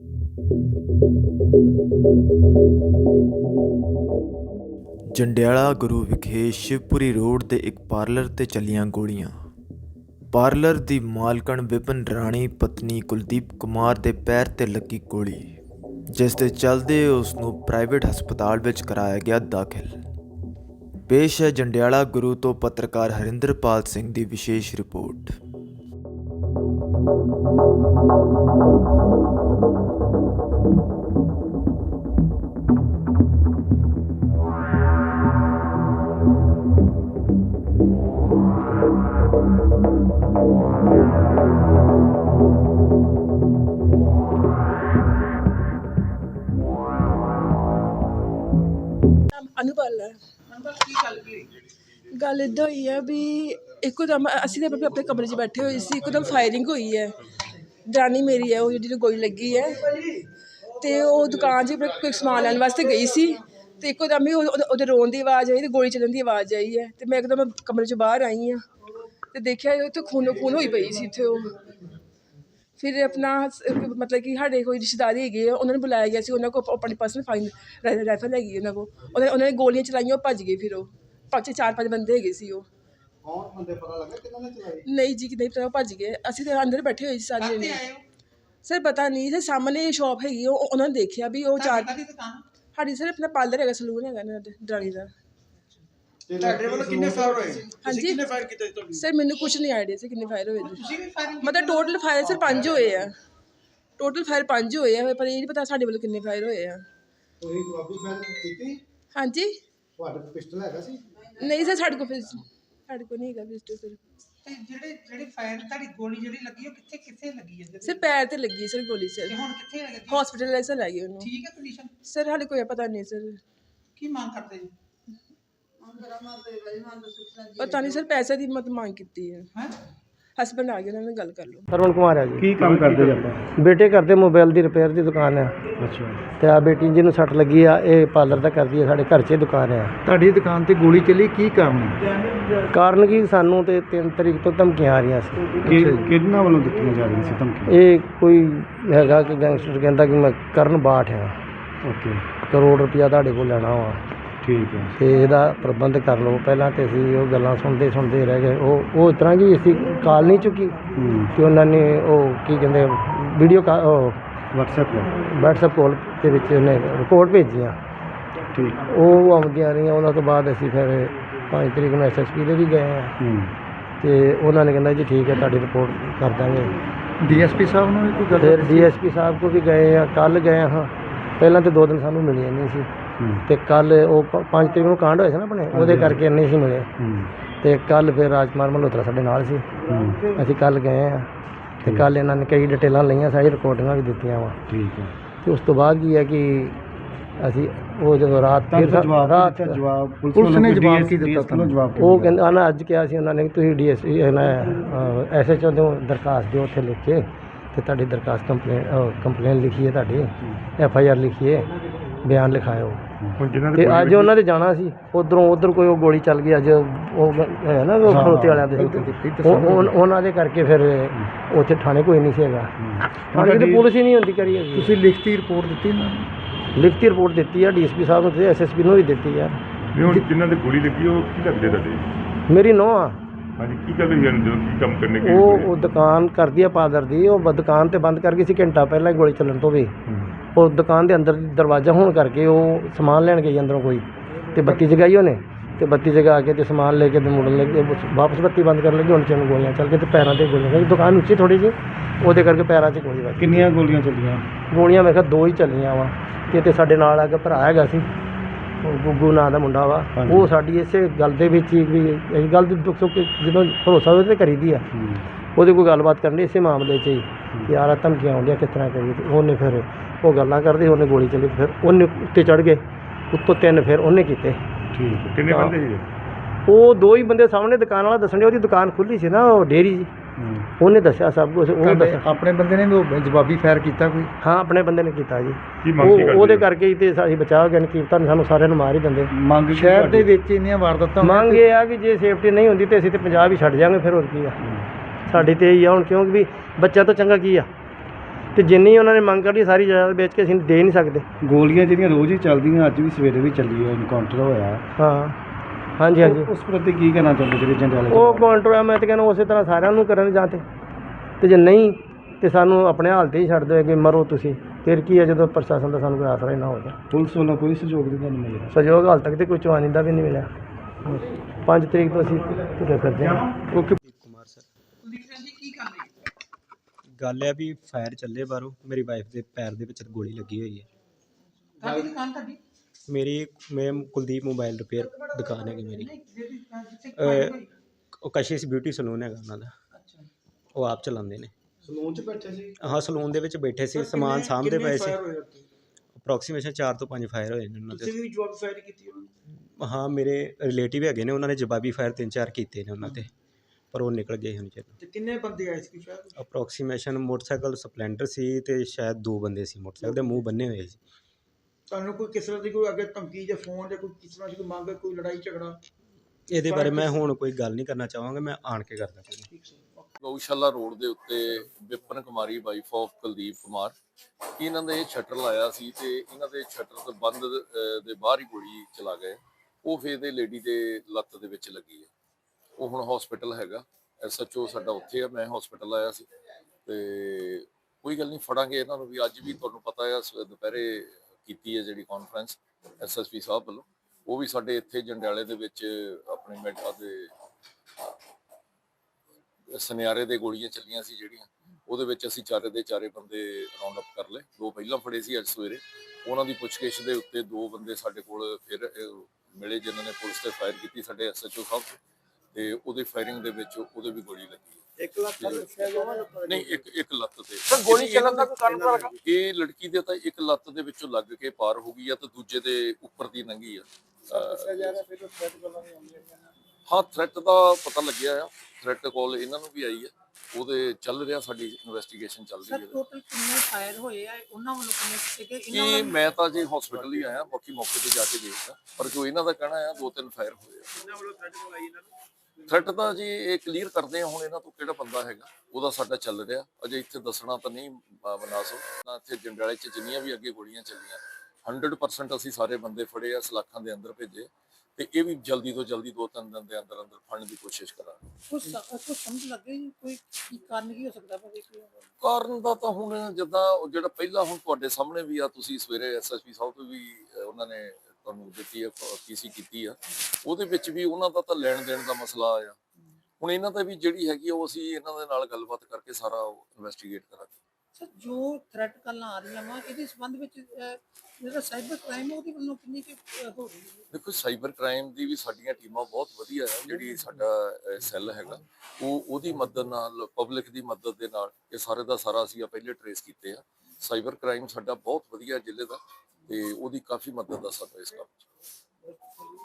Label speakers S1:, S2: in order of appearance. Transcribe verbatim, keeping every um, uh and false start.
S1: ਜੰਡਿਆਲਾ ਗੁਰੂ ਵਿਖੇ ਸ਼ਿਵਪੁਰੀ ਰੋਡ ਦੇ ਇੱਕ ਪਾਰਲਰ ਤੇ ਚੱਲੀਆਂ ਗੋਲੀਆਂ। ਪਾਰਲਰ ਦੀ ਮਾਲਕਣ ਵਿਪਨ ਰਾਣੀ ਪਤਨੀ ਕੁਲਦੀਪ ਕੁਮਾਰ ਦੇ ਪੈਰ ਤੇ ਲੱਗੀ ਗੋਲੀ, ਜਿਸ ਦੇ ਚੱਲਦੇ ਉਸ ਨੂੰ ਪ੍ਰਾਈਵੇਟ ਹਸਪਤਾਲ ਵਿੱਚ ਕਰਾਇਆ ਗਿਆ ਦਾਖਲ। ਪੇਸ਼ ਹੈ ਜੰਡਿਆਲਾ ਗੁਰੂ ਤੋਂ ਪੱਤਰਕਾਰ ਹਰਿੰਦਰਪਾਲ ਸਿੰਘ ਦੀ ਵਿਸ਼ੇਸ਼ ਰਿਪੋਰਟ।
S2: ਅਨੁਪਲ ਹੈ। ਗੱਲ ਇੱਦਾਂ ਹੋਈ ਹੈ ਵੀ ਇੱਕੋਦਮ ਅਸੀਂ ਤਾਂ ਆਪਣੇ ਕਮਰੇ 'ਚ ਬੈਠੇ ਹੋਏ ਸੀ, ਇੱਕੋਦਮ ਫਾਇਰਿੰਗ ਹੋਈ ਹੈ। ਦਰਾਣੀ ਮੇਰੀ ਹੈ ਉਹ ਜਿਹਨੂੰ ਗੋਲੀ ਲੱਗੀ ਹੈ, ਅਤੇ ਉਹ ਦੁਕਾਨ 'ਚ ਕੋਈ ਸਮਾਨ ਲੈਣ ਵਾਸਤੇ ਗਈ ਸੀ, ਅਤੇ ਇੱਕੋਦਮ ਹੀ ਉਹਦੇ ਰੋਣ ਦੀ ਆਵਾਜ਼ ਆਈ ਅਤੇ ਗੋਲੀ ਚੱਲਣ ਦੀ ਆਵਾਜ਼ ਆਈ ਹੈ। ਅਤੇ ਮੈਂ ਇੱਕਦਮ ਕਮਰੇ 'ਚੋਂ ਬਾਹਰ ਆਈ ਹਾਂ ਅਤੇ ਦੇਖਿਆ ਉੱਥੇ ਖੂਨੋ ਖੂਨ ਹੋਈ ਪਈ ਸੀ ਇੱਥੇ। ਉਹ ਫਿਰ ਆਪਣਾ ਮਤਲਬ ਕਿ ਸਾਡੇ ਕੋਈ ਰਿਸ਼ਤੇਦਾਰੀ ਹੈਗੇ ਆ, ਉਹਨਾਂ ਨੂੰ ਬੁਲਾਇਆ ਗਿਆ ਸੀ। ਉਹਨਾਂ ਕੋਲ ਆਪਣੀ ਪਰਸਨਲ ਫਾਈਨ ਰਾਈਫਲ ਹੈਗੀ ਉਹਨਾਂ ਕੋਲ। ਉਹਨਾਂ ਉਹਨਾਂ ਨੇ ਗੋਲੀਆਂ ਚਲਾਈਆਂ, ਉਹ ਭੱਜ ਗਏ। ਫਿਰ ਉਹ ਪੰਜ ਚਾਰ ਪੰਜ ਬੰਦੇ ਹੈਗੇ ਸੀ। ਉਹ
S3: ਕੌਣ ਬੰਦੇ ਪਤਾ ਲੱਗਾ ਕਿਹਨਾਂ ਨੇ ਚਲਾਏ?
S2: ਨਹੀਂ ਜੀ, ਨਹੀਂ ਪਤਾ, ਉਹ ਭੱਜ ਗਏ। ਅਸੀਂ ਤਾਂ ਅੰਦਰ ਬੈਠੇ ਹੋਏ ਸੀ ਸਾਰੇ ਜਣੇ। ਸਰ ਪਤਾ ਨਹੀਂ, ਸਰ ਸਾਹਮਣੇ ਸ਼ੌਪ ਹੈਗੀ, ਉਹ ਉਹਨਾਂ ਨੇ ਦੇਖਿਆ ਵੀ ਉਹ ਚਾਰ ਸਾਡੀ ਸਰ ਆਪਣਾ ਪਾਰਲਰ ਹੈਗਾ, ਸਲੂਨ ਹੈਗਾ ਇਹਨਾਂ ਦਾ ਦਰਾਣੀ ਦਾ।
S3: ਤੁਹਾਡੇ ਵੱਲੋਂ ਕਿੰਨੇ ਫਾਇਰ ਹੋਏ?
S2: ਹਾਂਜੀ,
S3: ਕਿੰਨੇ ਫਾਇਰ ਕੀਤੇ ਤੁਹਾਨੂੰ?
S2: ਸਰ ਮੈਨੂੰ ਕੁਛ ਨਹੀਂ ਆਈਡੀਆ ਸੀ ਕਿੰਨੇ ਫਾਇਰ ਹੋਏ ਨੇ।
S3: ਤੁਸੀਂ ਵੀ ਫਾਇਰਿੰਗ?
S2: ਮਤਲਬ ਟੋਟਲ ਫਾਇਰ ਸਰ ਪੰਜ ਹੋਏ ਆ। ਟੋਟਲ ਫਾਇਰ ਪੰਜ ਹੋਏ ਆ, ਪਰ ਇਹ ਨਹੀਂ ਪਤਾ ਸਾਡੇ ਵੱਲੋਂ ਕਿੰਨੇ ਫਾਇਰ ਹੋਏ ਆ।
S3: ਤੁਸੀਂ ਜਵਾਬੀ ਫਾਇਰ ਕੀਤੀ?
S2: ਹਾਂਜੀ।
S3: ਤੁਹਾਡੇ ਪਿਸਟਲ ਹੈਗਾ ਸੀ?
S2: ਨਹੀਂ ਸਰ, ਸਾਡੇ ਕੋਲ ਫਿਰ ਸਾਡੇ ਕੋਲ ਨਹੀਂ ਹੈਗਾ ਪਿਸਟਲ ਸਰ।
S4: ਤੇ ਜਿਹੜੇ ਜਿਹੜੇ ਫਾਇਰ ਤੁਹਾਡੀ ਗੋਲੀ ਜਿਹੜੀ ਲੱਗੀ ਉਹ ਕਿੱਥੇ ਕਿੱਥੇ ਲੱਗੀ ਹੈ?
S2: ਸਰ ਪੈਰ ਤੇ ਲੱਗੀ ਸਰ ਗੋਲੀ ਸਰ।
S4: ਤੇ ਹੁਣ ਕਿੱਥੇ ਲੱਗੀ?
S2: ਹਸਪੀਟਲ ਸਰ ਲੈ ਗਏ ਉਹਨੂੰ।
S4: ਠੀਕ ਹੈ ਕੰਡੀਸ਼ਨ?
S2: ਸਰ ਹਾਲੇ ਕੋਈ ਪਤਾ ਨਹੀਂ ਸਰ।
S4: ਕੀ ਮੰਗ ਕਰਦੇ ਜੀ?
S2: ਪਤਾ ਨਹੀਂ ਸਰ, ਪੈਸੇ ਦੀ ਮਤ ਮੰਗ ਕੀਤੀ ਹੈ।
S4: ਹੈ
S2: ਹਸਬੈਂਡ ਆ ਗਏ, ਉਹਨਾਂ ਨਾਲ ਗੱਲ ਕਰ ਲਓ।
S5: ਸਰਵਣ ਕੁਮਾਰ ਹੈ ਜੀ।
S3: ਕੀ ਕੰਮ ਕਰਦੇ ਜੀ ਆਪਾਂ?
S5: ਬੇਟੇ ਕਰਦੇ ਮੋਬਾਈਲ ਦੀ ਰਿਪੇਅਰ ਦੀ ਦੁਕਾਨ ਹੈ।
S3: ਅੱਛਾ।
S5: ਤੇ ਆ ਬੇਟੀ ਜਿਹਨੂੰ ਸੱਟ ਲੱਗੀ ਆ, ਇਹ ਪਾਰਲਰ ਦਾ ਕਰਦੀ ਹੈ, ਸਾਡੇ ਘਰ 'ਚ ਦੁਕਾਨ ਹੈ।
S3: ਤੁਹਾਡੀ ਦੁਕਾਨ ਤੇ ਗੋਲੀ ਚੱਲੀ, ਕੀ ਕਾਰਨ?
S5: ਕਾਰਨ ਕੀ, ਸਾਨੂੰ ਤੇ ਤਿੰਨ ਤਰੀਕ ਤੋਂ ਧਮਕੀਆਂ ਆ ਰਹੀਆਂ ਸੀ।
S3: ਕਿਹਨਾਂ ਵੱਲੋਂ ਦਿੱਤੀਆਂ ਜਾ ਰਹੀਆਂ ਸੀ ਧਮਕੀਆਂ?
S5: ਇਹ ਕੋਈ ਹੈਗਾ ਕਿ ਗੈਂਗਸਟਰ ਕਹਿੰਦਾ ਕਿ ਮੈਂ ਕਰਨ ਬਾਠ ਹਾਂ,
S3: ਓਕੇ,
S5: ਕਰੋੜ ਰੁਪਇਆ ਤੁਹਾਡੇ ਕੋਲ ਲੈਣਾ ਵਾ,
S3: ਠੀਕ ਹੈ।
S5: ਤੇ ਇਹਦਾ ਪ੍ਰਬੰਧ ਕਰ ਲਓ। ਪਹਿਲਾਂ ਤੇ ਅਸੀਂ ਉਹ ਗੱਲਾਂ ਸੁਣਦੇ ਸੁਣਦੇ ਰਹਿ ਗਏ। ਉਹ ਉਹ ਇਸ ਤਰ੍ਹਾਂ ਕਿ ਅਸੀਂ ਕਾਲ ਨਹੀਂ ਚੁੱਕੀ ਕਿ ਉਹਨਾਂ ਨੇ ਉਹ ਕੀ ਕਹਿੰਦੇ ਵੀਡੀਓ ਕਾ ਉਹ
S3: ਵਟਸਐਪ
S5: ਵਟਸਐਪ ਕਾਲ ਦੇ ਵਿੱਚ ਉਹਨੇ ਰਿਪੋਰਟ ਭੇਜੀਆਂ।
S3: ਠੀਕ।
S5: ਉਹ ਆਉਂਦੀਆਂ ਰਹੀਆਂ। ਉਹਨਾਂ ਤੋਂ ਬਾਅਦ ਅਸੀਂ ਫਿਰ ਪੰਜ ਤਰੀਕ ਨੂੰ ਐਸ ਐਸ ਪੀ ਦੇ ਵੀ ਗਏ ਹਾਂ, ਅਤੇ ਉਹਨਾਂ ਨੇ ਕਹਿੰਦਾ ਜੀ ਠੀਕ ਹੈ, ਤੁਹਾਡੀ ਰਿਪੋਰਟ ਕਰ ਦਾਂਗੇ।
S3: ਡੀ ਐਸ ਪੀ ਸਾਹਿਬ ਨੂੰ ਵੀ ਕੋਈ ਗੱਲ?
S5: ਫਿਰ ਡੀ ਐਸ ਪੀ ਸਾਹਿਬ ਕੋਲ ਵੀ ਗਏ ਹਾਂ, ਕੱਲ੍ਹ ਗਏ ਹਾਂ। ਪਹਿਲਾਂ ਤਾਂ ਦੋ ਦਿਨ ਸਾਨੂੰ ਮਿਲੀਆਂ ਨਹੀਂ ਸੀ, ਅਤੇ ਕੱਲ੍ਹ ਉਹ ਪ- ਪੰਜ ਤਰੀਕ ਨੂੰ ਕਾਂਡ ਹੋਇਆ ਸੀ ਨਾ ਆਪਣੇ, ਉਹਦੇ ਕਰਕੇ ਨਹੀਂ ਸੀ ਮਿਲੇ। ਅਤੇ ਕੱਲ੍ਹ ਫਿਰ ਰਾਜਕੁਮਾਰ ਮਲਹੋਤਰਾ ਸਾਡੇ ਨਾਲ ਸੀ, ਅਸੀਂ ਕੱਲ੍ਹ ਗਏ ਹਾਂ। ਅਤੇ ਕੱਲ੍ਹ ਇਹਨਾਂ ਨੇ ਕਈ ਡਿਟੇਲਾਂ ਲਈਆਂ, ਸਾਰੀ ਰਿਕਾਰਡਿੰਗਾਂ ਵੀ ਦਿੱਤੀਆਂ ਵਾ।
S3: ਠੀਕ ਹੈ।
S5: ਅਤੇ ਉਸ ਤੋਂ ਬਾਅਦ ਕੀ ਹੈ ਕਿ ਅਸੀਂ ਉਹ ਜਦੋਂ ਰਾਤ ਫਿਰ ਰਾਤ
S3: ਜਵਾਬ
S5: ਪੁਲਿਸ ਨੇ ਜਵਾਬ ਕੀ
S3: ਦਿੱਤਾ ਤੁਹਾਨੂੰ? ਜਵਾਬ
S5: ਉਹ ਕਹਿੰਦਾ ਨਾ, ਅੱਜ ਕਿਹਾ ਸੀ ਉਹਨਾਂ ਨੇ ਕਿ ਤੁਸੀਂ D S S H O ਨੂੰ ਦਰਖਾਸਤ ਦਿਓ, ਉੱਥੇ ਲਿਖ ਕੇ, ਅਤੇ ਤੁਹਾਡੀ ਦਰਖਾਸਤ ਕੰਪਲੇਨ ਕੰਪਲੇਨ ਲਿਖੀਏ, ਤੁਹਾਡੀ ਐਫ ਆਈ ਆਰ ਲਿਖੀਏ, ਬਿਆਨ ਲਿਖਾਇਓ। ਅਤੇ ਅੱਜ ਉਹਨਾਂ ਦੇ ਜਾਣਾ ਸੀ, ਉੱਧਰੋਂ ਉੱਧਰ ਕੋਈ ਉਹ ਗੋਲੀ ਚੱਲ ਗਈ। ਅੱਜ ਉਹ ਹੈ ਨਾ ਉਹ ਖਲੋਤੇ ਵਾਲਿਆਂ ਦੇ, ਉਹ- ਉਹਨਾਂ ਦੇ ਕਰਕੇ ਫਿਰ ਉੱਥੇ ਥਾਣੇ ਕੋਈ ਨਹੀਂ ਸੀ ਹੈਗਾ। ਥਾਣੇ ਦੀ ਪੁਲਿਸ ਹੀ ਨਹੀਂ ਹੁੰਦੀ ਕਰੀ ਹੈਗੀ।
S3: ਤੁਸੀਂ ਲਿਖਤੀ ਰਿਪੋਰਟ ਦਿੱਤੀ ਨਾ?
S5: ਲਿਖਤੀ ਰਿਪੋਰਟ ਦਿੱਤੀ ਆ, ਡੀ ਐਸ ਪੀ ਸਾਹਿਬ ਨੂੰ ਤੇ ਐਸ ਐਸ ਪੀ ਨੂੰ ਵੀ ਦਿੱਤੀ ਆ।
S6: ਹੁਣ ਜਿਨ੍ਹਾਂ ਦੇ ਗੋਲੀ ਲੱਗੀ ਉਹ ਕੀ ਲੱਗਦੇ ਤੁਹਾਡੇ?
S5: ਮੇਰੀ ਨੂੰਹ ਆ।
S6: ਹਾਂਜੀ, ਕੀ ਗੱਲ ਹੋਈ ਜਦੋਂ ਕੀ ਕੰਮ ਕਰਨੇ ਗਏ?
S5: ਉਹ ਉਹ ਦੁਕਾਨ ਕਰਦੀ ਆ ਪਾਰਲਰ ਦੀ। ਉਹ ਬ- ਦੁਕਾਨ ਤੇ ਬੰਦ ਕਰ ਗਈ ਸੀ ਘੰਟਾ ਪਹਿਲਾਂ ਹੀ ਗੋਲੀ ਚੱਲਣ ਤੋਂ ਵੀ। ਉਹ ਦੁਕਾਨ ਦੇ ਅੰਦਰ ਦਰਵਾਜ਼ਾ ਹੋਣ ਕਰਕੇ ਉਹ ਸਮਾਨ ਲੈਣ ਗਈ ਅੰਦਰੋਂ ਕੋਈ, ਅਤੇ ਬੱਤੀ ਜਗਾਈ ਉਹਨੇ, ਅਤੇ ਬੱਤੀ ਜਗਾ ਕੇ ਅਤੇ ਸਮਾਨ ਲੈ ਕੇ ਤੇ ਮੁੜਨ ਲੱਗੇ, ਵਾਪਸ ਬੱਤੀ ਬੰਦ ਕਰਨ ਲੱਗੀ। ਹੁਣ ਚੰਨ ਗੋਲੀਆਂ ਚੱਲ ਕੇ ਅਤੇ ਪੈਰਾਂ 'ਤੇ ਗੋਲੀਆਂ, ਕਿਉਂਕਿ ਦੁਕਾਨ ਉੱਚੀ ਥੋੜ੍ਹੀ ਜਿਹੀ, ਉਹਦੇ ਕਰਕੇ ਪੈਰਾਂ 'ਚ ਗੋਲੀ ਵੱਜ ਗਈ।
S3: ਕਿੰਨੀਆਂ ਗੋਲੀਆਂ ਚੱਲੀਆਂ?
S5: ਗੋਲੀਆਂ ਮੈਂ ਕਿਹਾ ਦੋ ਹੀ ਚੱਲੀਆਂ ਵਾ। ਅਤੇ ਇੱਥੇ ਸਾਡੇ ਨਾਲ ਆ ਕੇ ਭਰਾ ਹੈਗਾ ਸੀ, ਉਹ ਗੁੱਗੂ ਨਾਂ ਦਾ ਮੁੰਡਾ ਵਾ। ਉਹ ਸਾਡੀ ਇਸੇ ਗੱਲ ਦੇ ਵਿੱਚ ਹੀ ਵੀ ਇਹ ਗੱਲ ਦੀ ਦੁੱਖ ਸੁੱਖ ਜਦੋਂ ਭਰੋਸਾ ਉਹਦੇ 'ਤੇ ਕਰੀਦੀ ਆ, ਉਹਦੇ ਕੋਈ ਗੱਲਬਾਤ ਕਰਨੀ ਇਸੇ ਮਾਮਲੇ 'ਚ ਹੀ ਕਿ ਯਾਰ ਧਮਕੀਆਂ ਆਉਂਦੀਆਂ ਕਿਸ ਤਰ੍ਹਾਂ ਕਰੀਏ। ਅਤੇ ਉਹਨੇ ਫਿਰ ਉਹ ਗੱਲਾਂ ਕਰਦੇ, ਉਹਨੇ ਗੋਲੀ ਚੱਲੀ, ਫਿਰ ਉਹਨੇ ਉੱਤੇ ਚੜ੍ਹ ਗਏ, ਉੱਤੋਂ ਤਿੰਨ ਫਿਰ ਉਹਨੇ ਕੀਤੇ।
S6: ਠੀਕ। ਕਿੰਨੇ ਬੰਦੇ ਸੀ?
S5: ਉਹ ਦੋ ਹੀ ਬੰਦੇ ਸਾਹਮਣੇ ਦੁਕਾਨ ਵਾਲਾ ਦੱਸਣ ਡਿਆ, ਉਹਦੀ ਦੁਕਾਨ ਖੁੱਲ੍ਹੀ ਸੀ ਨਾ, ਉਹ ਡੇਅਰੀ ਜੀ। ਉਹਨੇ ਦੱਸਿਆ ਸਭ ਕੁਝ। ਉਹ ਦੱਸਿਆ
S3: ਆਪਣੇ ਬੰਦੇ ਨੇ ਵੀ ਜਵਾਬੀ ਫਾਇਰ ਕੀਤਾ ਕੋਈ?
S5: ਹਾਂ, ਆਪਣੇ ਬੰਦੇ ਨੇ ਕੀਤਾ ਜੀ।
S6: ਕੀ ਮੰਗ ਕੀ
S5: ਉਹ
S6: ਕਰਦੇ
S5: ਉਹਦੇ
S6: ਹੋ?
S5: ਕਰਕੇ ਹੀ ਤੇ ਸਾਡੀ ਬਚਾਅ ਗਿਆ, ਕੀਮਤਾਂ ਨੇ ਸਾਨੂੰ ਸਾਰਿਆਂ ਨੂੰ ਮਾਰ ਹੀ ਦਿੰਦੇ।
S3: ਮੰਗ ਸ਼ਹਿਰ ਦੇ ਵਿੱਚ ਇੰਨੀਆਂ ਵਾਰਦਾਤਾਂ
S5: ਮੰਗ ਇਹ ਆ ਕਿ ਜੇ ਸੇਫਟੀ ਨਹੀਂ ਹੁੰਦੀ ਤੇ ਅਸੀਂ ਤੇ ਪੰਜਾਬ ਹੀ ਛੱਡ ਜਾਵਾਂਗੇ, ਫਿਰ ਹੋਰ ਕੀ ਆ। ਸਾਡੀ ਤੇ ਇਹੀ ਆ ਹੁਣ, ਕਿਉਂਕਿ ਵੀ ਬੱਚਾ ਤੋਂ ਚੰਗਾ ਕੀ ਆ। ਤੇ ਜਿੰਨੀ ਉਹਨਾਂ ਨੇ ਮੰਗ ਕਰ ਲਈ ਸਾਰੀ ਜਾਇਦਾਦ ਵੇਚ ਕੇ ਅਸੀਂ ਦੇ ਨਹੀਂ ਸਕਦੇ।
S3: ਗੋਲੀਆਂ ਜਿਹੜੀਆਂ ਰੋਜ਼ ਹੀ ਚੱਲਦੀਆਂ, ਅੱਜ ਵੀ ਸਵੇਰੇ ਵੀ ਚੱਲੀ ਹੈ, ਇਨਕਾਊਂਟਰ ਹੋਇਆ।
S5: ਹਾਂ ਹਾਂਜੀ ਹਾਂਜੀ।
S3: ਉਸ ਪ੍ਰਤੀ ਕੀ ਕਹਿਣਾ ਚਾਹੁੰਦੇ ਜਿਹੜੇ ਜੰਡਿਆਲੇ ਦੇ
S5: ਉਹ ਕਾਊਂਟਰ ਆ, ਮੈਂ ਤਾਂ ਕਹਿੰਦਾ ਉਸੇ ਤਰ੍ਹਾਂ ਸਾਰਿਆਂ ਨੂੰ ਕਰਨ ਜਾਂ ਤੇ ਤੇ ਜੇ ਨਹੀਂ ਤੇ ਸਾਨੂੰ ਆਪਣੇ ਹਾਲ 'ਤੇ ਹੀ ਛੱਡ ਦਿਓ ਕਿ ਮਰੋ ਤੁਸੀਂ। ਫਿਰ ਕੀ ਹੈ ਜਦੋਂ ਪ੍ਰਸ਼ਾਸਨ ਦਾ ਸਾਨੂੰ ਕੋਈ ਆਸਰਾ ਹੀ ਨਾ ਹੋਵੇ।
S3: ਪੁਲਿਸ ਵੱਲੋਂ ਕੋਈ ਸਹਿਯੋਗ ਨਹੀਂ ਤੁਹਾਨੂੰ ਮਿਲਿਆ?
S5: ਸਹਿਯੋਗ ਹਾਲ ਤੱਕ ਤੇ ਕੋਈ ਚਵਾਨੀ ਦਾ ਵੀ ਨਹੀਂ ਮਿਲਿਆ। ਪੰਜ ਤਰੀਕ ਤੋਂ ਅਸੀਂ ਤੁਰੇ ਫਿਰਦੇ ਹਾਂ।
S3: ਓਕੇ।
S7: ਕੁਮਾਰ ਸਰ,
S4: ਕੁਲਦੀਪ ਸਿੰਘ ਜੀ ਕੀ ਕਰ ਰਹੀ ਹੈ?
S7: ਗੱਲ ਹੈ ਵੀ ਫਾਇਰ ਚੱਲੇ ਬਾਹਰੋਂ, ਮੇਰੀ ਵਾਈਫ ਦੇ ਪੈਰ ਦੇ ਵਿੱਚ ਗੋਲੀ ਲੱਗੀ ਹੋਈ ਹੈ।
S4: ਤੁਹਾਡੀ ਦੁਕਾਨ ਤੁਹਾਡੀ
S7: ਮੇਰੀ ਮੈਂ ਕੁਲਦੀਪ ਮੋਬਾਈਲ ਰਿਪੇਅਰ ਦੁਕਾਨ ਹੈਗੀ ਮੇਰੀ।
S4: ਨਹੀਂ ਜਿਹੜੀ ਅਹ, ਜਿੱਥੇ
S7: ਅਹ,
S4: fire ਹੋਈ।
S7: ਉਹ ਕਸ਼ਿਸ਼ ਬਿਊਟੀ ਸਲੂਨ ਹੈਗਾ ਉਹਨਾਂ ਦਾ,
S4: ਅੱਛਾ
S7: ਉਹ ਆਪ ਚਲਾਉਂਦੇ ਨੇ।
S3: ਸਲੂਨ 'ਚ ਬੈਠੇ ਸੀ?
S7: ਹਾਂ ਸਲੂਨ ਦੇ ਵਿੱਚ ਬੈਠੇ ਸੀ, ਸਮਾਨ ਸਾਂਭਦੇ ਪਏ ਸੀ। ਅਪਰੋਕਸੀਮੇਸ਼ਨ ਚਾਰ ਤੋਂ ਪੰਜ ਫਾਇਰ ਹੋਏ ਨੇ ਉਹਨਾਂ ਦੇ।
S3: ਵੀ ਜਵਾਬ ਫਾਇਰ ਕੀਤੀ ਉਹਨਾਂ
S7: ਹਾਂ ਮੇਰੇ ਰਿਲੇਟਿਵ ਹੈਗੇ ਨੇ, ਉਹਨਾਂ ਨੇ ਜਵਾਬੀ ਫਾਇਰ ਤਿੰਨ ਚਾਰ ਕੀਤੇ ਨੇ ਉਹਨਾਂ ਤੇ, ਪਰ ਉਹ ਨਿਕਲ ਗਏ ਹੁਣ ਚਿਰ।
S3: ਤੇ ਕਿੰਨੇ ਬੰਦੇ ਆਏ ਸੀ ਸ਼ਾਇਦ?
S7: ਅਪਰੋਕਸੀਮੇਸ਼ਨ ਮੋਟਰਸਾਈਕਲ ਸਪਲੈਂਡਰ ਸੀ ਤੇ ਸ਼ਾਇਦ ਦੋ ਬੰਦੇ ਸੀ, ਮੋਟਰਸਾਈਕਲ ਦੇ ਮੂੰਹ ਬੰਨੇ ਹੋਏ ਸੀ।
S3: ਤੁਹਾਨੂੰ ਕੋਈ ਕਿਸ ਤਰ੍ਹਾਂ ਦੀ ਕੋਈ ਅੱਗੇ ਧਮਕੀ ਜਾਂ ਫੋਨ ਜਾਂ ਕੋਈ ਕਿਸ ਤਰ੍ਹਾਂ ਦੀ ਕੋਈ ਮੰਗ, ਕੋਈ ਲੜਾਈ ਝਗੜਾ?
S7: ਇਹਦੇ ਬਾਰੇ ਮੈਂ ਹੁਣ ਕੋਈ ਗੱਲ ਨਹੀਂ ਕਰਨਾ ਚਾਹਾਂਗਾ, ਮੈਂ ਆਣ ਕੇ ਕਰਦਾ ਕੋਈ।
S8: ਗਊਸ਼ਾਲਾ ਰੋਡ ਦੇ ਉੱਤੇ ਵਿਪਨ ਕੁਮਾਰੀ ਵਾਈਫ ਆਫ ਕੁਲਦੀਪ ਕੁਮਾਰ, ਇਹਨਾਂ ਦੇ ਸ਼ਟਰ ਲਾਇਆ ਸੀ ਤੇ ਇਹਨਾਂ ਦੇ ਸ਼ਟਰ ਤੋਂ ਬੰਦ ਅਹ, ਦੇ ਬਾਹਰ ਹੀ ਗੋਲੀ ਚਲਾ ਗਏ। ਉਹ ਫਿਰ ਦੇ ਲੇਡੀ ਦੇ ਲੱਤ ਦੇ ਵਿੱਚ ਲੱਗੀ ਹੈ। ਉਹ ਹੁਣ ਹਸਪੀਟਲ ਹੈਗਾ, ਐਸ ਐਚ ਓ ਸਾਡਾ ਉੱਥੇ ਆ, ਮੈਂ ਹਸਪੀਟਲ ਆਇਆ ਸੀ। ਤੇ ਕੋਈ ਗੱਲ ਨਹੀਂ, ਫੜਾਂਗੇ ਇਹਨਾਂ ਨੂੰ ਵੀ। ਅੱਜ ਵੀ ਤੁਹਾਨੂੰ ਪਤਾ ਹੈ ਦੁਪਹਿਰੇ ਕੀਤੀ ਹੈ ਜਿਹੜੀ ਕਾਨਫਰੰਸ ਐਸ ਐਸ ਪੀ ਸਾਹਿਬ ਵੱਲੋਂ, ਉਹ ਵੀ ਸਾਡੇ ਇੱਥੇ ਜੰਡਿਆਲੇ ਦੇ ਵਿੱਚ ਆਪਣੇ ਮੈਡਾ ਦੇ ਸੁਨਿਆਰੇ ਦੇ ਗੋਲੀਆਂ ਚੱਲੀਆਂ ਸੀ ਜਿਹੜੀਆਂ, ਉਹਦੇ ਵਿੱਚ ਅਸੀਂ ਚਾਰੇ ਦੇ ਚਾਰੇ ਬੰਦੇ ਰਾਉਂਡ ਅਪ ਕਰ ਲਏ। ਦੋ ਪਹਿਲਾਂ ਫੜੇ ਸੀ ਅੱਜ ਸਵੇਰੇ, ਉਹਨਾਂ ਦੀ ਪੁੱਛਗਿੱਛ ਦੇ ਉੱਤੇ ਦੋ ਬੰਦੇ ਸਾਡੇ ਕੋਲ ਫਿਰ ਮਿਲੇ ਜਿਨ੍ਹਾਂ ਨੇ ਪੁਲਿਸ ਤੇ ਫਾਇਰ ਕੀਤੀ, ਸਾਡੇ ਐਸ ਐਚ ਓ ਸਾਹਿਬ ਤੇ ਉਹਦੀ ਫਾਇਰਿੰਗ ਦੇ ਵਿੱਚ ਉਹਦੇ ਵੀ ਗੋਲੀ ਲੱਗੀ।
S3: ਇੱਕ ਲੱਖ
S8: ਨਹੀਂ, ਇੱਕ ਇੱਕ ਲੱਤ ਤੇ ਗੋਲੀ ਚੱਲਣ ਦਾ ਕੋਈ ਕਾਰਨ ਪਤਾ ਲੱਗਾ? ਇਹ ਲੜਕੀ ਦੇ ਤਾਂ ਇੱਕ ਲੱਤ ਦੇ ਵਿੱਚੋਂ ਲੱਗ ਕੇ ਪਾਰ ਹੋ ਗਈ ਆ ਤੇ ਦੂਜੇ ਦੇ ਉੱਪਰ ਦੀ ਲੰਘੀ ਆ। ਹਾਂ ਥ੍ਰੈਟ ਦਾ ਪਤਾ ਲੱਗਿਆ ਆ, ਥ੍ਰੈਟ ਕਾਲ ਇਹਨਾਂ ਨੂੰ ਵੀ ਆਈ ਹੈ, ਉਹਦੇ ਚੱਲ ਰਿਹਾ, ਸਾਡੀ ਇਨਵੈਸਟੀਗੇਸ਼ਨ ਚੱਲ
S4: ਸਰ
S8: ਰਹੀ ਹੈ।
S4: ਟੋਟਲ ਕਿੰਨੇ ਫਾਇਰ ਹੋਏ ਆ ਉਹਨਾਂ ਵੱਲੋਂ, ਕਿੰਨੇ ਸੀਗੇ ਇਹਨਾਂ
S8: ਇਹ
S4: ਵੱਲੋਂ?
S8: ਮੈਂ ਤਾਂ ਜੀ ਹਸਪੀਟਲ ਹੀ ਆਇਆ, ਬਾਕੀ ਮੌਕੇ ਤੇ ਜਾ ਕੇ ਦੇਖਦਾ, ਪਰ ਜੋ ਇਹਨਾਂ ਦਾ ਕਹਿਣਾ ਆ ਦੋ ਤਿੰਨ ਫਾਇਰ ਹੋਏ ਆ।
S3: ਇਹਨਾਂ ਵੱਲੋਂ ਥ੍ਰੈਟ ਲਾਈ ਇਹਨਾਂ ਨੂੰ?
S8: ਥ੍ਰੈਟ ਤਾਂ ਜੀ ਇਹ ਕਲੀਅਰ ਕਰਦੇ ਆ ਹੁਣ, ਇਹਨਾਂ ਤੋਂ ਕਿਹੜਾ ਬੰਦਾ ਹੈਗਾ ਉਹਦਾ ਸਾਡਾ ਚੱਲ ਰਿਹਾ, ਅਜੇ ਇੱਥੇ ਦੱਸਣਾ ਤਾਂ ਨਹੀਂ ਬਨਾਸੋ। ਇੱਥੇ ਜੰਡਿਆਲੇ 'ਚ ਜਿੰਨੀਆਂ ਵੀ ਅੱਗੇ ਗੋਲੀਆਂ ਚੱਲੀਆਂ ਹੰਡਰਡ ਪਰਸੈਂਟ ਅਸੀਂ ਸਾਰੇ ਬੰਦੇ ਫੜੇ ਆ, ਸਲਾਖਾਂ ਦੇ ਅੰਦਰ ਭੇਜੇ, ਤੇ ਇਹ ਵੀ ਜਲਦੀ ਤੋਂ ਜਲਦੀ ਦੋ ਤਿੰਨ ਦਿਨ ਦੇ ਅੰਦਰ ਅੰਦਰ ਫੜਨ ਦੀ ਕੋਸ਼ਿਸ਼ ਕਰਾਂਗੇ।
S4: ਕੁਛ ਕੁਛ ਸਮਝ ਲੱਗੇ ਜੀ ਕੋਈ ਕੀ ਕਾਰਨ ਕੀ ਹੋ ਸਕਦਾ ਭਾਵੇਂ ਕਿ
S8: ਕਾਰਨ ਦਾ ਤਾਂ ਹੁਣ ਜਿੱਦਾਂ ਉਹ ਜਿਹੜਾ ਪਹਿਲਾਂ ਹੁਣ ਤੁਹਾਡੇ ਸਾਹਮਣੇ ਵੀ ਆ, ਤੁਸੀਂ ਸਵੇਰੇ ਐਸ ਐਸ ਪੀ ਸਾਹਿਬ ਤੋਂ ਵੀ ਅਹ, ਉਹਨਾਂ ਨੇ ਤੁਹਾਨੂੰ ਦਿੱਤੀ ਹੈ ਪੀਸੀ ਕੀਤੀ ਆ, ਉਹਦੇ ਵਿੱਚ ਵੀ ਉਹਨਾਂ ਦਾ ਤਾਂ ਲੈਣ ਦੇਣ ਦਾ ਮਸਲਾ ਆ। ਹੁਣ ਇਹਨਾਂ ਦਾ ਵੀ ਜਿਹੜੀ ਹੈਗੀ ਆ ਉਹ ਅਸੀਂ ਇਹਨਾਂ ਦੇ ਨਾਲ ਗੱਲਬਾਤ ਕਰਕੇ ਸਾਰਾ ਇਨਵੈਸਟੀਗੇਟ ਕਰਾਂਗੇ।
S4: ਸਰ ਜੋ ਥ੍ਰੈਟ ਕਾਲਾਂ ਆ ਰਹੀਆਂ ਵਾ ਇਹਦੇ ਸੰਬੰਧ ਵਿੱਚ ਅਹ, ਜਿਹੜਾ ਸਾਈਬਰ ਕ੍ਰਾਈਮ ਉਹਦੇ ਵੱਲੋਂ ਕਿੰਨੀ ਕਿ ਹੋ ਰਹੀ ਹੈ?
S8: ਦੇਖੋ ਸਾਈਬਰ ਕ੍ਰਾਈਮ ਦੀ ਵੀ ਸਾਡੀਆਂ ਟੀਮਾਂ ਬਹੁਤ ਵਧੀਆ ਆ, ਜਿਹੜੀ ਸਾਡਾ ਸੈੱਲ ਹੈਗਾ ਉਹ ਉਹਦੀ ਮਦਦ ਨਾਲ, ਪਬਲਿਕ ਦੀ ਮਦਦ ਦੇ ਨਾਲ ਇਹ ਸਾਰੇ ਦਾ ਸਾਰਾ ਅਸੀਂ ਆ ਪਹਿਲੇ ਟਰੇਸ ਕੀਤੇ ਆ। ਸਾਈਬਰ ਕ੍ਰਾਈਮ ਸਾਡਾ ਬਹੁਤ ਵਧੀਆ ਜ਼ਿਲ੍ਹੇ ਦਾ, ਤੇ ਉਹਦੀ ਕਾਫੀ ਮਦਦ ਆ ਸਾਡਾ ਇਸ ਕੰਮ 'ਚ।